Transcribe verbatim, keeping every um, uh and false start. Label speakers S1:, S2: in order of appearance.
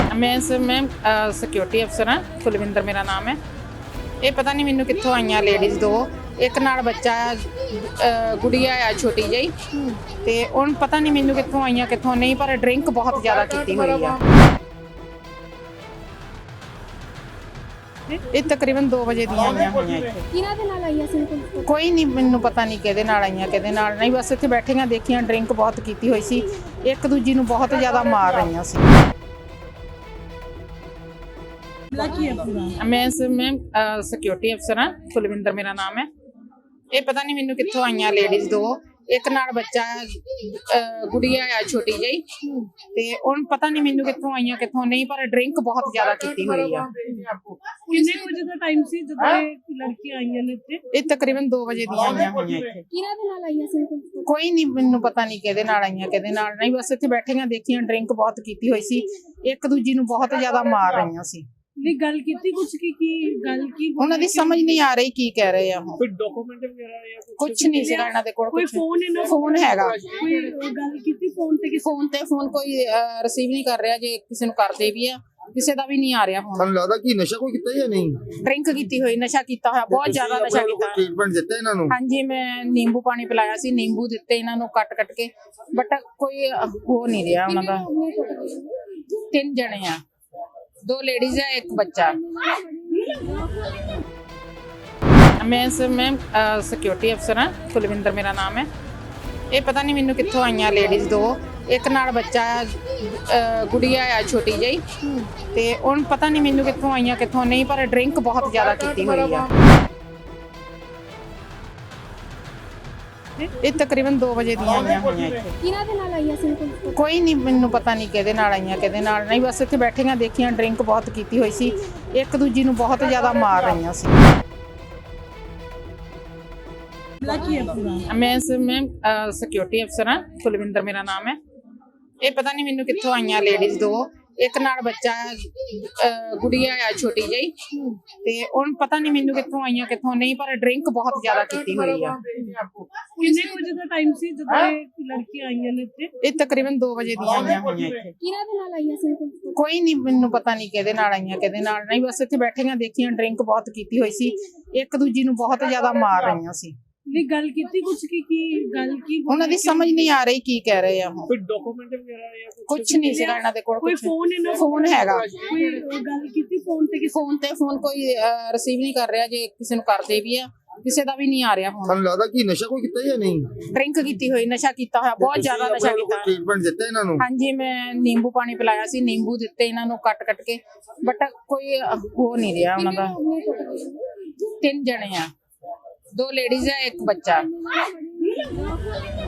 S1: मैं सर मैं सिक्योरिटी अफसर हाँ कुलविंदर मेरा नाम है। ਇਹ ਪਤਾ ਨਹੀਂ ਮੈਨੂੰ ਕਿੱਥੋਂ ਆਈਆਂ ਲੇਡੀਜ਼ ਦੋ, ਇੱਕ ਨਾਲ ਬੱਚਾ ਅਹ ਗੁੜੀਆ ਆ ਛੋਟੀ ਜਿਹੀ, ਤੇ ਹੁਣ ਪਤਾ ਨਹੀਂ ਮੈਨੂੰ ਕਿੱਥੋਂ ਆਈਆਂ ਕਿੱਥੋਂ ਨਹੀਂ, ਪਰ ਡਰਿੰਕ ਬਹੁਤ ਜ਼ਿਆਦਾ ਕੀਤੀ ਹੋਈ ਆ। ਇਹ ਤਕਰੀਬਨ ਦੋ ਵਜੇ ਦੀਆਂ ਆਈਆਂ ਹੋਈਆਂ ਇੱਥੇ।
S2: ਕਿਹਨਾਂ ਦੇ ਨਾਲ ਆਈਆਂ ਸੀ?
S1: ਕੋਈ ਨਹੀਂ, ਮੈਨੂੰ ਪਤਾ ਨਹੀਂ ਕਿਹਦੇ ਨਾਲ ਆਈਆਂ ਕਿਹਦੇ ਨਾਲ ਨਹੀਂ, ਬਸ ਇੱਥੇ ਬੈਠੀਆਂ ਦੇਖੀਆਂ, ਡਰਿੰਕ ਬਹੁਤ ਕੀਤੀ ਹੋਈ ਸੀ, ਇੱਕ ਦੂਜੀ ਨੂੰ ਬਹੁਤ ਜ਼ਿਆਦਾ ਮਾਰ ਰਹੀਆਂ ਸੀ। मैं सर मैं सिक्योरिटी अफसर हाँ कुलविंदर मेरा नाम है। ਇਹ ਪਤਾ ਨਹੀਂ ਮੈਨੂੰ ਕਿੱਥੋਂ ਆਈਆਂ ਲੇਡੀਜ਼ ਦੋ, ਇੱਕ ਨਾਲ ਬੱਚਾ ਅਹ ਗੁੜੀਆ ਆ ਛੋਟੀ ਜਿਹੀ, ਤੇ ਹੁਣ ਪਤਾ ਨਹੀਂ ਮੈਨੂੰ ਕਿੱਥੋਂ ਆਈਆਂ ਕਿੱਥੋਂ ਨਹੀਂ, ਪਰ ਡਰਿੰਕ ਬਹੁਤ ਜ਼ਿਆਦਾ ਕੀਤੀ ਹੋਈ ਆ।
S2: ਕਿੰਨੇ ਵਜੇ ਦਾ ਟਾਈਮ ਸੀ ਜਦੋਂ ਇਹ ਲੜਕੀਆਂ ਆਈਆਂ ਨੇ ਇੱਥੇ?
S1: ਇਹ ਤਕਰੀਬਨ ਦੋ ਵਜੇ ਦੀਆਂ ਆਈਆਂ ਹੋਈਆਂ ਇੱਥੇ।
S2: ਕਿਹਨਾਂ ਦੇ ਨਾਲ ਆਈਆਂ ਸੀ?
S1: ਕੋਈ ਨਹੀਂ, ਮੈਨੂੰ ਪਤਾ ਨਹੀਂ ਕਿਹਦੇ ਨਾਲ ਆਈਆਂ ਕਿਹਦੇ ਨਾਲ ਨਹੀਂ, ਬਸ ਇੱਥੇ ਬੈਠੀਆਂ ਦੇਖੀਆਂ, ਡਰਿੰਕ ਬਹੁਤ ਕੀਤੀ ਹੋਈ ਸੀ, ਇੱਕ ਦੂਜੀ ਨੂੰ ਬਹੁਤ ਜ਼ਿਆਦਾ ਮਾਰ ਰਹੀਆਂ ਸੀ।
S2: ਨਹੀਂ ਗੱਲ ਕੀਤੀ ਕੁਝ ਕੀ ਕੀ ਗੱਲ ਕੀ
S1: ਉਹਨਾਂ ਦੀ ਸਮਝ ਨਹੀਂ ਆ ਰਹੀ ਕੀ ਕਹਿ ਰਹੇ ਆ ਉਹ।
S3: ਕੋਈ ਡਾਕੂਮੈਂਟ ਵਗੈਰਾ ਜਾਂ
S1: ਕੁਝ ਨਹੀਂ ਸੀਗਾ ਇਹਨਾਂ ਦੇ ਕੋਲ,
S2: ਕੋਈ ਫੋਨ ਇਹਨਾਂ
S1: ਫੋਨ ਹੈਗਾ,
S2: ਕੋਈ ਗੱਲ ਕੀਤੀ ਫੋਨ ਤੇ?
S1: ਫੋਨ ਤੇ ਫੋਨ ਕੋਈ ਰਿਸੀਵ ਨਹੀਂ ਕਰ ਰਿਹਾ, ਜੇ ਕਿਸੇ ਨੂੰ ਕਰਦੇ ਵੀ ਆ ਕਿਸੇ ਦਾ ਵੀ ਨਹੀਂ ਆ ਰਿਹਾ ਫੋਨ।
S4: ਤੁਹਾਨੂੰ ਲੱਗਦਾ ਕਿ ਨਸ਼ਾ ਕੋਈ ਕੀਤਾ ਜਾਂ ਨਹੀਂ?
S1: ਡਰਿੰਕ ਕੀਤੀ ਹੋਈ, ਨਸ਼ਾ ਕੀਤਾ ਹੋਇਆ, ਬਹੁਤ ਜ਼ਿਆਦਾ ਨਸ਼ਾ ਕੀਤਾ।
S4: ਟ੍ਰੀਟਮੈਂਟ ਦਿੱਤਾ ਇਹਨਾਂ ਨੂੰ?
S1: ਹਾਂਜੀ, ਮੈਂ ਨਿੰਬੂ ਪਾਣੀ ਪਿਲਾਇਆ ਸੀ, ਨਿੰਬੂ ਦਿੱਤੇ ਇਹਨਾਂ ਨੂੰ ਕੱਟ ਕੱਟ ਕੇ, ਬਟ ਕੋਈ ਹੋ ਨਹੀਂ ਰਿਹਾ ਉਹਨਾਂ ਦਾ। ਤਿੰਨ ਜਣੇ ਆ, दो लेडीज है एक बच्चा। मैं सर मैं सिक्योरिटी अफसर हाँ कुलविंदर मेरा नाम है। ਇਹ ਪਤਾ ਨਹੀਂ ਮੈਨੂੰ ਕਿੱਥੋਂ ਆਈਆਂ ਲੇਡੀਜ਼ ਦੋ, ਇੱਕ ਨਾਲ ਬੱਚਾ ਅਹ ਗੁੜੀਆ ਆ ਛੋਟੀ ਜਿਹੀ, ਤੇ ਹੁਣ ਪਤਾ ਨਹੀਂ ਮੈਨੂੰ ਕਿੱਥੋਂ ਆਈਆਂ ਕਿੱਥੋਂ ਨਹੀਂ, ਪਰ ਡਰਿੰਕ ਬਹੁਤ ਜ਼ਿਆਦਾ ਕੀਤੀ ਹੋਈ ਆ। ਇਹ ਤਕਰੀਬਨ ਦੋ ਵਜੇ ਦੀਆਂ ਆਈਆਂ ਹੋਈਆਂ ਇੱਥੇ।
S2: ਕਿਹਨਾਂ ਦੇ ਨਾਲ ਆਈਆਂ ਸੀ?
S1: ਕੋਈ ਨਹੀਂ, ਮੈਨੂੰ ਪਤਾ ਨਹੀਂ ਕਿਹਦੇ ਨਾਲ ਆਈਆਂ ਕਿਹਦੇ ਨਾਲ ਨਹੀਂ, ਬਸ ਇੱਥੇ ਬੈਠੀਆਂ ਦੇਖੀਆਂ, ਡਰਿੰਕ ਬਹੁਤ ਕੀਤੀ ਹੋਈ ਸੀ, ਇੱਕ ਦੂਜੀ ਨੂੰ ਬਹੁਤ ਜ਼ਿਆਦਾ ਮਾਰ ਰਹੀਆਂ ਸੀ। मैं सर मैं सिक्योरिटी अफसर हाँ कुलविंदर मेरा नाम है। ਇਹ ਪਤਾ ਨਹੀਂ ਮੈਨੂੰ ਕਿੱਥੋਂ ਆਈਆਂ ਲੇਡੀਜ਼ ਦੋ, ਇੱਕ ਨਾਲ ਬੱਚਾ ਅਹ ਗੁੜੀਆ ਆ ਛੋਟੀ ਜਿਹੀ, ਤੇ ਹੁਣ ਪਤਾ ਨਹੀਂ ਮੈਨੂੰ ਕਿੱਥੋਂ ਆਈਆਂ ਕਿੱਥੋਂ ਨਹੀਂ, ਪਰ ਡਰਿੰਕ ਬਹੁਤ ਜ਼ਿਆਦਾ ਕੀਤੀ ਹੋਈ ਆ।
S2: ਕਿੰਨੇ ਵਜੇ ਦਾ ਟਾਈਮ ਸੀ ਜਦੋਂ ਇਹ ਲੜਕੀਆਂ ਆਈਆਂ ਨੇ ਇੱਥੇ?
S1: ਇਹ ਤਕਰੀਬਨ ਦੋ ਵਜੇ ਦੀਆਂ ਆਈਆਂ ਹੋਈਆਂ ਇੱਥੇ।
S2: ਕਿਹਨਾਂ ਦੇ ਨਾਲ ਆਈਆਂ ਸੀ?
S1: ਕੋਈ ਨਹੀਂ, ਮੈਨੂੰ ਪਤਾ ਨਹੀਂ ਕਿਹਦੇ ਨਾਲ ਆਈਆਂ ਕਿਹਦੇ ਨਾਲ ਨਹੀਂ, ਬਸ ਇੱਥੇ ਬੈਠੀਆਂ ਦੇਖੀਆਂ, ਡਰਿੰਕ ਬਹੁਤ ਕੀਤੀ ਹੋਈ ਸੀ, ਇੱਕ ਦੂਜੀ ਨੂੰ ਬਹੁਤ ਜ਼ਿਆਦਾ ਮਾਰ ਰਹੀਆਂ ਸੀ।
S2: ਨਹੀਂ ਗੱਲ ਕੀਤੀ ਕੁਝ ਕੀ ਕੀ ਗੱਲ ਕੀ
S1: ਉਹਨਾਂ ਦੀ ਸਮਝ ਨਹੀਂ ਆ ਰਹੀ ਕੀ ਕਹਿ ਰਹੇ ਆ ਉਹ।
S3: ਕੋਈ ਡਾਕੂਮੈਂਟ ਵਗੈਰਾ ਜਾਂ
S1: ਕੁਝ ਨਹੀਂ ਸੀਗਾ ਇਹਨਾਂ ਦੇ ਕੋਲ,
S2: ਕੋਈ ਫੋਨ ਇਹਨਾਂ
S1: ਫੋਨ ਹੈਗਾ,
S2: ਕੋਈ ਗੱਲ ਕੀਤੀ ਫੋਨ ਤੇ?
S1: ਫੋਨ ਤੇ ਫੋਨ ਕੋਈ ਰਿਸੀਵ ਨਹੀਂ ਕਰ ਰਿਹਾ, ਜੇ ਕਿਸੇ ਨੂੰ ਕਰਦੇ ਵੀ ਆ ਕਿਸੇ ਦਾ ਵੀ ਨਹੀਂ ਆ ਰਿਹਾ ਫੋਨ।
S4: ਤੁਹਾਨੂੰ ਲੱਗਦਾ ਕਿ ਨਸ਼ਾ ਕੋਈ ਕੀਤਾ ਜਾਂ ਨਹੀਂ?
S1: ਡਰਿੰਕ ਕੀਤੀ ਹੋਈ, ਨਸ਼ਾ ਕੀਤਾ ਹੋਇਆ, ਬਹੁਤ ਜ਼ਿਆਦਾ ਨਸ਼ਾ ਕੀਤਾ।
S4: ਟ੍ਰੀਟਮੈਂਟ ਦਿੱਤਾ ਇਹਨਾਂ ਨੂੰ?
S1: ਹਾਂਜੀ, ਮੈਂ ਨਿੰਬੂ ਪਾਣੀ ਪਿਲਾਇਆ ਸੀ, ਨਿੰਬੂ ਦਿੱਤੇ ਇਹਨਾਂ ਨੂੰ ਕੱਟ ਕੱਟ ਕੇ, ਬਟ ਕੋਈ ਹੋ ਨਹੀਂ ਰਿਹਾ ਉਹਨਾਂ ਦਾ। ਤਿੰਨ ਜਣੇ ਆ, दो लेडीज है एक बच्चा।